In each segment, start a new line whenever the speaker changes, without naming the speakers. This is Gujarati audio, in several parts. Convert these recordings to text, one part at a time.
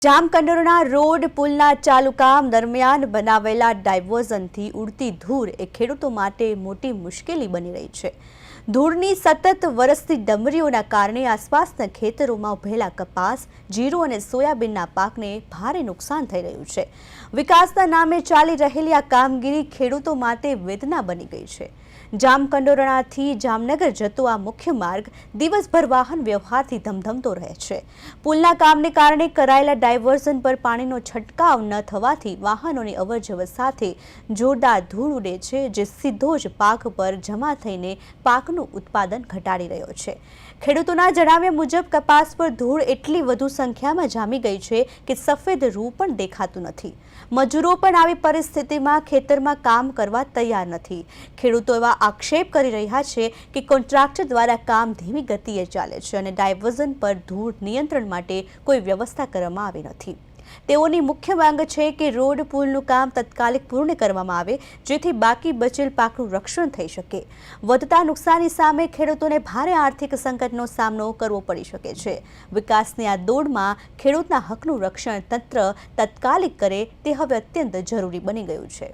જામકંડોરણા રોડ પુલના ચાલુ કામ દરમિયાન બનાવેલા ડાયવર્ઝનથી ઉડતી ધૂળ એ ખેડૂતો માટે મોટી મુશ્કેલી બની રહી છે। ધૂળની સતત વરસતી ડમરીઓના કારણે આસપાસના ખેતરોમાં ઉભેલા કપાસ, જીરું અને સોયાબીનના પાકને ભારે નુકસાન થઈ રહ્યું છે। વિકાસના નામે ચાલી રહેલી આ કામગીરી ખેડૂતો માટે વેદના બની ગઈ છે। જામકંડોરણાથી જામનગર જતો આ મુખ્ય માર્ગ દિવસભર વાહન વ્યવહારથી ધમધમતો રહે છે। પુલના કામને કારણે કરાયેલા ડાયવર્ઝન પર પાણીનો છંટકાવ ન થવાથી વાહનોની અવરજવર સાથે જોરદાર ધૂળ ઉડે છે, જે સીધો જ પાક પર જમા થઈને પાકનું ઉત્પાદન ઘટાડી રહ્યો છે। ખેડૂતોના જણાવ્યા મુજબ કપાસ પર ધૂળ એટલી વધુ સંખ્યામાં જામી ગઈ છે કે સફેદ રૂ પણ દેખાતું નથી। મજૂરો પણ આવી પરિસ્થિતિમાં ખેતરમાં કામ કરવા તૈયાર નથી। ખેડૂતો એવા આક્ષેપ કરી રહ્યા છે કે કોન્ટ્રાક્ટર દ્વારા કામ ધીમી ગતિએ ચાલે છે અને ડાયવર્ઝન પર ધૂળ નિયંત્રણ માટે કોઈ વ્યવસ્થા કરવામાં આવી નથી। તેઓની મુખ્ય માંગ છે કે રોડ પુલનું કામ તાત્કાલિક પૂર્ણ કરવામાં આવે, જેથી બાકી બચેલ પાકનું રક્ષણ થઈ શકે। વધતા નુકસાની સામે ખેડૂતોને ભારે આર્થિક સંકટનો સામનો કરવો પડી શકે છે। વિકાસની આ દોડમાં ખેડૂતના હકનું રક્ષણ તંત્ર તાત્કાલિક કરે તે હવે અત્યંત જરૂરી બની ગયું છે।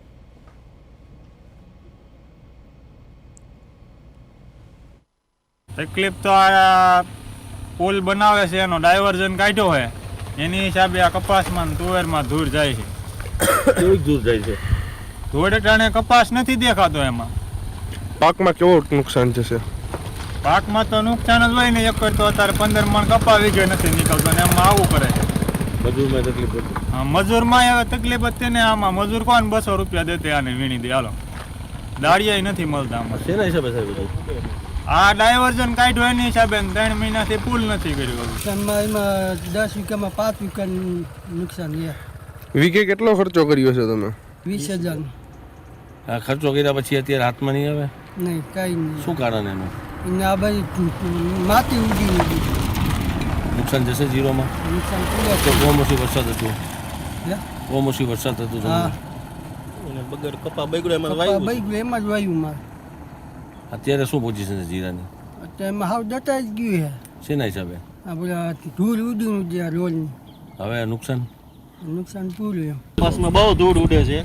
તકલીફ તો આ પુલ બનાવે છે એનો ડાયવર્ઝન કાઢ્યો હોય એની હિસાબે આ કપાસમાં તુવેરમાં ધૂળ જાય છે।
કેવી ધૂળ જાય છે?
ધૂળ એટલે કપાસ નથી દેખાતો, એમાં
પાકમાં કેવો નુકસાન થશે?
પાકમાં તો નુકસાન જ હોય ને। એક તો અત્યારે 15 મણ કપા વીઘે નથી નીકળતો ને એમાં આવું કરે છે।
મજૂરમાં તકલીફ હતી?
હા, મજૂરમાં હવે તકલીફ હતી ને। આમાં મજૂર કોણ 200 રૂપિયા દેતે આને વીણી દે, હાલો દાળિયા નથી મળતા આમાં।
શેના હિસાબે સાહેબ?
આ ડાયવર્ઝન કાઢ્યો એની હિસાબે 3 મહિનાથી પુલ નથી કર્યો।
એમાં 10 વીઘામાં 5 વીઘાનું નુકસાન છે।
વીઘે કેટલો ખર્ચો કર્યો છે તમે?
20,000।
આ ખર્ચો કર્યા પછી અત્યારે હાથમાં નહીં આવે?
નહીં, કાંઈ નહીં।
શું કારણ એનું?
એને આ બાજુ માટી ઉડી
નુકસાન જશે જીરોમાં?
નુકસાન
તો કમોસમી વરસાદ હતો,
હે?
કમોસમી વરસાદ હતો તમને?
હા,
બગડ કપા બગડ્યો એમાં
એમાં જ વાયુ મારે।
અત્યારે શું પોઝિશન છે જીરાની?
અત્યારે એમાં હાવ દટાઈ જ ગયું છે।
શેના હિસાબે?
આ બધા ધૂળ ઉડીનું જે રોડની
હવે નુકસાન
પૂરું એમ।
કપાસમાં બહુ ધૂળ ઉડે છે,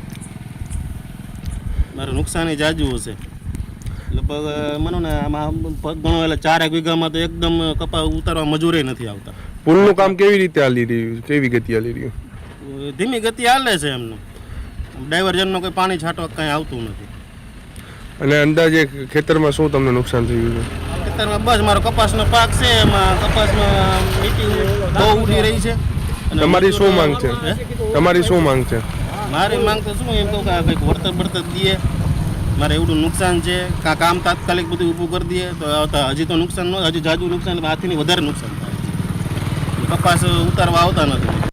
મારું નુકસાન જાજુ હશે। લગભગ માનો ને આમાં ઘણો એટલે 4 વીઘામાં તો એકદમ કપા ઉતારવા મજૂરે નથી આવતા।
પુલનું કામ કેવી રીતે હાલી રહ્યું? કેવી ગતિ હાલી રહ્યું?
ધીમી ગતિ હાલે છે એમનું। ડાયવર્ઝનનો કોઈ પાણી છાંટવા કંઈ આવતું નથી।
અને અંદાજે ખેતરમાં શું તમને નુકસાન થયું છે?
ખેતરમાં બસ મારો કપાસનો પાક છે, એમાં કપાસમાં મીટી બહુ ઉડી રહી છે।
તમારી શું માંગ છે? તમારી શું માંગ છે?
મારી માંગ તો શું એમ કહું કે કંઈક વળતર દઈએ। મારે એવડું નુકસાન છે, કામ તાત્કાલિક બધું ઊભું કરી દઈએ તો હજી તો નુકસાન ન, હજી જાજુ નુકસાન, હાથીની વધારે નુકસાન થાય છે। કપાસ ઉતારવા આવતા નથી।